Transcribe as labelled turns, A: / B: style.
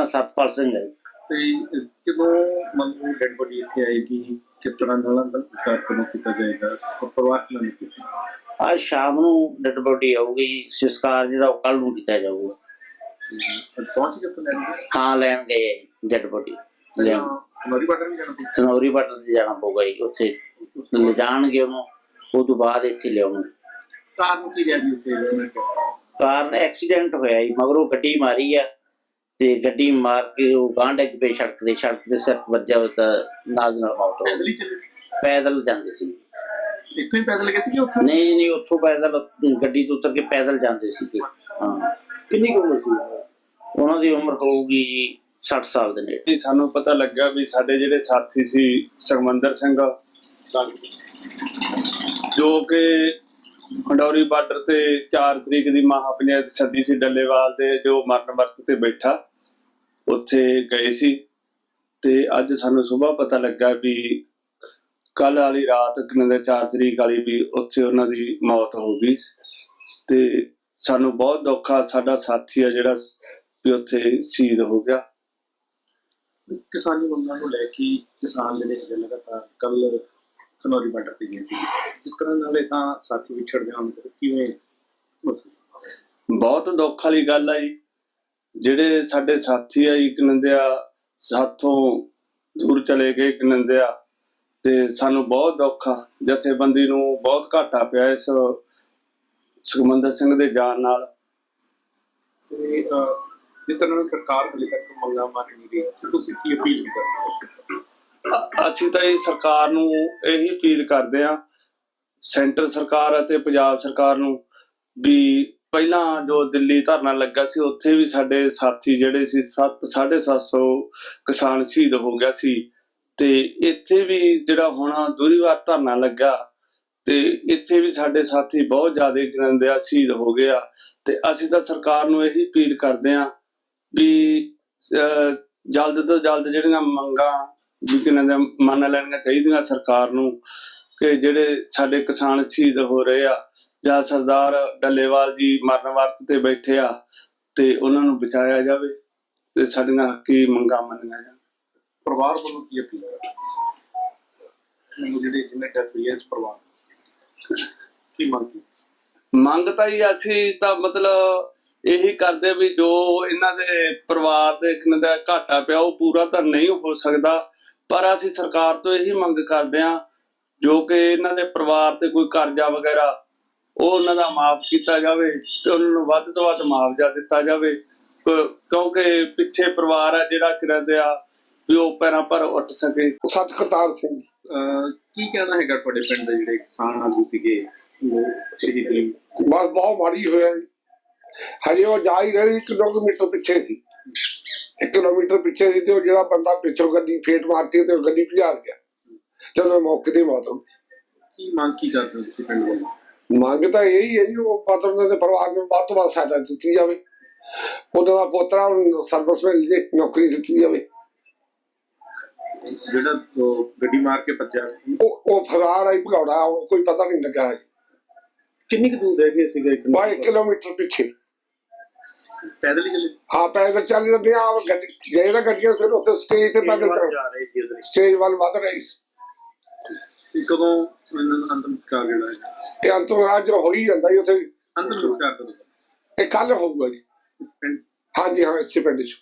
A: ਨਾਂ ਸਤਪਾਲ ਸਿੰਘ ਹੈ।
B: ਤੇ ਜਦੋਂ ਮੰਨ ਲਓ ਡੈਡ ਬੋਡੀ ਇੱਥੇ ਆਏਗੀ, ਕਿਸ ਤਰ੍ਹਾਂ ਨਾਲ ਅੰਤਮ ਸੰਸਕਾਰ ਕਦੋਂ ਕੀਤਾ ਜਾਏਗਾ, ਪਰਿਵਾਰ ਨਾਲ ਕੀਤਾ?
A: ਅੱਜ ਸ਼ਾਮ ਨੂੰ ਡੈਡ ਬੋਡੀ ਆਊਗੀ, ਸੰਸਕਾਰ ਜਿਹੜਾ ਉਹ ਕੱਲ ਨੂੰ ਕੀਤਾ ਜਾਊਗਾ।
B: ਪਹੁੰਚ ਕੇ ਲੈਣਗੇ?
A: ਹਾਂ, ਲੈਣ ਗਏ ਡੈਡ ਬੋਡੀ।
B: ਸਨੌਰੀ ਬਾਰਡਰ ਵੀ ਜਾਣਾ ਪਊਗਾ?
A: ਸਨੌਰੀ ਬਾਰਡਰ ਤੇ ਜਾਣਾ ਪਊਗਾ ਜੀ, ਉੱਥੇ ਲਿਜਾਣਗੇ ਉਹਨੂੰ, ਉਹ ਤੋਂ ਬਾਅਦ ਇੱਥੇ ਲਿਆਉਣਗੇ।
B: ਕਾਰਨ ਕੀ ਰਿਹਾ ਜੀ ਉੱਥੇ?
A: ਕਾਰਨ ਐਕਸੀਡੈਂਟ ਹੋਇਆ ਜੀ, ਮਗਰੋਂ ਗੱਡੀ ਮਾਰੀ ਆ ਤੇ ਗੱਡੀ ਮਾਰ ਕੇ ਉਹ ਗਾਂਹ ਡਿੱਗ ਪਏ ਸੜਕ ਤੇ ਸਿਰ ਵੱਜਿਆ ਹੋਇਆ ਤਾਂ ਨਾਲ ਮੌਤ ਹੋ ਗਈ। ਪੈਦਲ ਜਾਂਦੇ ਸੀ।
B: ਇੱਥੋਂ ਹੀ ਪੈਦਲ ਗਏ ਸੀ? ਉੱਥੇ
A: ਨਹੀਂ, ਉੱਥੋਂ ਪੈਦਲ ਗੱਡੀ ਤੋਂ ਉਤਰ ਕੇ ਪੈਦਲ ਜਾਂਦੇ ਸੀਗੇ। ਹਾਂ।
B: ਕਿੰਨੀ ਕੁ ਉਮਰ ਸੀ
A: ਉਹਨਾਂ ਦੀ? ਉਮਰ ਹੋਊਗੀ ਜੀ 60 ਸਾਲ ਦੇ ਨੇੜੇ।
C: ਸਾਨੂੰ ਪਤਾ ਲੱਗਾ ਵੀ ਸਾਡੇ ਜਿਹੜੇ ਸਾਥੀ ਸੀ ਸੁਖਮੰਦਰ ਸਿੰਘ, ਜੋ ਕਿ ਖੰਡੌਰੀ ਬਾਰਡਰ ਤੇ 4 ਤਰੀਕ ਦੀ ਮਹਾਪੰਚਾਇਤ ਸੱਦੀ ਸੀ ਡੱਲੇਵਾਲ ਦੇ, ਜੋ ਮਰਨ ਵਰਤ ਤੇ ਬੈਠਾ ਉੱਥੇ ਗਏ ਸੀ। ਤੇ ਅੱਜ ਸਾਨੂੰ ਸੁਬਾਹ ਪਤਾ ਲੱਗਾ ਵੀ ਕੱਲ ਵਾਲੀ ਰਾਤ 4 ਤਰੀਕ ਵਾਲੀ ਵੀ ਉੱਥੇ ਉਹਨਾਂ ਦੀ ਮੌਤ ਹੋ ਗਈ। ਤੇ ਸਾਨੂੰ ਬਹੁਤ ਦੁੱਖ ਆ, ਸਾਡਾ ਸਾਥੀ ਆ ਜਿਹੜਾ ਵੀ ਉੱਥੇ ਸ਼ਹੀਦ ਹੋ ਗਿਆ।
B: ਕਿਸਾਨੀ ਮੰਗਾਂ ਨੂੰ ਲੈ ਕੇ ਕਿਸਾਨ ਜਿਹੜੇ ਹੈਗੇ ਲਗਾਤਾਰ ਕੱਲ ਖਨੌਰੀ ਬਾਰਡਰ ਤੇ ਗਏ ਸੀ, ਜਿਸ ਤਰ੍ਹਾਂ ਨਾਲ ਇਹ ਤਾਂ ਸਾਥੀ ਵਿਛੜ ਜਾਣ, ਕਿਵੇਂ?
C: ਬਹੁਤ ਦੁੱਖ ਵਾਲੀ ਗੱਲ ਆ ਜੀ। ਜਿਹੜੇ ਸਾਡੇ ਸਾਥੀ ਆ ਜੀ, ਕਨੰਦਿਆ ਸਾਥੋਂ ਦੂਰ ਚਲੇ ਗਏ ਕਨੰਦਿਆ, ਤੇ ਸਾਨੂੰ ਬਹੁਤ ਦੁੱਖ ਆ। ਜਥੇਬੰਦੀ ਨੂੰ ਬਹੁਤ ਘਾਟਾ ਪਿਆ ਇਸ ਸੁਖਮੰਦਰ ਸਿੰਘ ਦੇ ਜਾਣ ਨਾਲ।
B: ਤੇ ਜਿਸ ਤਰ੍ਹਾਂ ਸਰਕਾਰ ਹਲੇ ਤੱਕ ਮੰਗਾਂ ਮੰਨ ਨਹੀਂ ਰਹੀ, ਤੁਸੀਂ ਕੀ ਅਪੀਲ ਕਰਦੇ?
C: ਅਸੀਂ ਤਾਂ ਇਹ ਸਰਕਾਰ ਨੂੰ ਇਹੀ ਅਪੀਲ ਕਰਦੇ ਹਾਂ, ਸੈਂਟਰ ਸਰਕਾਰ ਅਤੇ ਪੰਜਾਬ ਸਰਕਾਰ ਨੂੰ, ਵੀ ਪਹਿਲਾਂ ਜੋ ਦਿੱਲੀ ਧਰਨਾ ਲੱਗਾ ਸੀ ਉੱਥੇ ਵੀ ਸਾਡੇ ਸਾਥੀ ਜਿਹੜੇ ਸੀ 750 ਕਿਸਾਨ ਸ਼ਹੀਦ ਹੋ ਗਿਆ ਸੀ। ਤੇ ਇੱਥੇ ਵੀ ਜਿਹੜਾ ਹੁਣ ਦੂਰੀਵਾਰ ਧਰਨਾ ਲੱਗਾ ਤੇ ਇੱਥੇ ਵੀ ਸਾਡੇ ਸਾਥੀ ਬਹੁਤ ਜ਼ਿਆਦਾ ਗਨੰਦਿਆ ਸ਼ਹੀਦ ਹੋ ਗਏ ਆ। ਤੇ ਅਸੀਂ ਤਾਂ ਸਰਕਾਰ ਨੂੰ ਇਹੀ ਅਪੀਲ ਕਰਦੇ ਹਾਂ ਵੀ ਜਲਦ ਤੋਂ ਜਲਦ ਜਿਹੜੀਆਂ ਮੰਗਾਂ ਵੀ ਮੰਨ ਲੈਣੀਆਂ ਚਾਹੀਦੀਆਂ ਸਰਕਾਰ ਨੂੰ, ਕਿ ਜਿਹੜੇ ਸਾਡੇ ਕਿਸਾਨ ਸ਼ਹੀਦ ਹੋ ਰਹੇ ਆ ਜਾਂ ਸਰਦਾਰ ਡੱਲੇਵਾਲ ਜੀ ਮਰਨ ਵਰਤ ਤੇ ਬੈਠੇ ਆ, ਤੇ ਉਹਨਾਂ ਨੂੰ ਬਚਾਇਆ ਜਾਵੇ ਤੇ ਸਾਡੀਆਂ ਹੱਕੀ ਮੰਗਾਂ ਮੰਨੀਆਂ ਜਾਣ।
B: ਪਰਿਵਾਰ ਵੱਲੋਂ ਕੀ ਅਪੀਲ ਹੈ? ਜਿਹੜੇ ਜਿੰਨੇ ਡੈਥ ਹੋਈ ਹੈ ਇਸ ਪਰਿਵਾਰ ਕੀ
C: ਮੰਗ ਤਾਂ ਹੀ ਅਸੀਂ ਤਾਂ ਮਤਲਬ ਇਹੀ ਕਰਦੇ ਵੀ ਜੋ ਇਹਨਾਂ ਦੇ ਪਰਿਵਾਰ ਦੇ ਦਾ ਘਾਟਾ ਪਿਆ ਉਹ ਪੂਰਾ ਤਾਂ ਨਹੀਂ ਹੋ ਸਕਦਾ, ਪਰ ਅਸੀਂ ਸਰਕਾਰ ਤੋਂ ਇਹੀ ਮੰਗ ਕਰਦੇ ਹਾਂ ਜੋ ਕਿ ਇਹਨਾਂ ਦੇ ਪਰਿਵਾਰ ਤੇ ਕੋਈ ਕਰਜ਼ਾ ਵਗੈਰਾ ਉਹ ਉਹਨਾਂ ਦਾ ਮਾਫ ਕੀਤਾ ਜਾਵੇ ਤੇ ਉਹਨਾਂ ਨੂੰ ਵੱਧ ਤੋਂ ਵੱਧ ਮੁਆਵਜ਼ਾ ਦਿੱਤਾ ਜਾਵੇ, ਕਿਉਂਕਿ ਪਿੱਛੇ ਪਰਿਵਾਰ ਆ ਜਿਹੜਾ ਕਿਰਦੇ ਆ ਵੀ ਉਹ ਪੈਰਾਂ ਪਰ ਉੱਠ ਸਕੇ।
D: ਸਤਕਰਤਾਰ ਸਿੰਘ,
B: ਕੀ ਕਹਿਣਾ ਹੈਗਾ ਤੁਹਾਡੇ ਪਿੰਡ ਦੇ ਜਿਹੜੇ ਕਿਸਾਨ ਆਗੂ ਸੀਗੇ ਸ਼ਹੀਦੀ?
D: ਬਸ ਬਹੁਤ ਮਾੜੀ ਹੋਇਆ ਜੀ। ਹਜੇ ਉਹ ਜਾ ਹੀ ਰਹੇ 1 ਕਿਲੋਮੀਟਰ ਪਿੱਛੇ ਸੀ, 1 ਕਿਲੋਮੀਟਰ ਪਿੱਛੇ ਸੀ ਤੇ ਉਹ ਜਿਹੜਾ ਬੰਦਾ ਪਿੱਛੋਂ ਗੱਡੀ ਫੇਟ ਮਾਰਤੀ ਤੇ ਉਹ ਗੱਡੀ ਭਜਾ ਗਿਆ ਜਦੋਂ ਮੌਕੇ ਤੇ ਮੌਤ ਹੋ ਗਈ।
B: ਕੀ ਮੰਗ ਕੀ ਕਰਦੇ ਹੋ ਤੁਸੀਂ ਪਿੰਡ ਵੱਲੋਂ?
D: ਮੰਗ ਤਾਂ ਇਹੀ ਹੈ ਜੀ, ਉਹ ਪਾਤਰ ਦੇ ਪਰਿਵਾਰ ਨੂੰ ਵੱਧ ਤੋਂ ਵੱਧ ਸਹਾਇਤਾ ਦਿੱਤੀ ਜਾਵੇ, ਉਹਨਾਂ ਦਾ ਪੋਤਰਾ ਸਰਵਿਸਮੈਨ ਦੀ ਨੌਕਰੀ ਦਿੱਤੀ ਜਾਵੇ।
B: ਜਿਹੜਾ ਗੱਡੀ ਮਾਰ ਕੇ ਭੱਜਿਆ
D: ਉਹ ਫਰਾਰ ਆਈ ਭਗੌੜਾ, ਕੋਈ ਪਤਾ ਨਹੀਂ ਲੱਗਾ ਹੈ।
B: ਕਿੰਨੀ ਕੁ ਦੂਰ ਰਹਿ ਗਏ ਸੀਗਾ?
D: 1 ਕਿਲੋਮੀਟਰ ਪਿੱਛੇ
B: ਪੈਦਲ ਹੀ ਚਲੇ?
D: ਹਾਂ, ਪੈਦਲ ਚੱਲ ਰਹੇ ਆ। ਗੱਡੀ ਜੇ ਤਾਂ ਗੱਡੀਆਂ ਫਿਰ ਉੱਥੇ ਸਟੇਜ ਤੇ ਪੈਦਲ ਸਟੇਜ ਵੱਲ ਵੱਧ ਰਹੀ ਸੀ।
B: ਕਦੋਂ ਇਹਨਾਂ ਦਾ ਅੰਤਮ ਸੰਸਕਾਰ ਜਿਹੜਾ ਹੈ?
D: ਇਹ ਅੰਤਮ ਅੱਜ ਹੋ ਹੀ ਜਾਂਦਾ ਜੀ ਉੱਥੇ।
B: ਅੰਤਮ ਸੰਸਕਾਰ ਕਦੋਂ?
D: ਇਹ ਕੱਲ ਹੋਊਗਾ ਜੀ। ਹਾਂਜੀ ਹਾਂ, ਇਸੇ ਪਿੰਡ 'ਚ।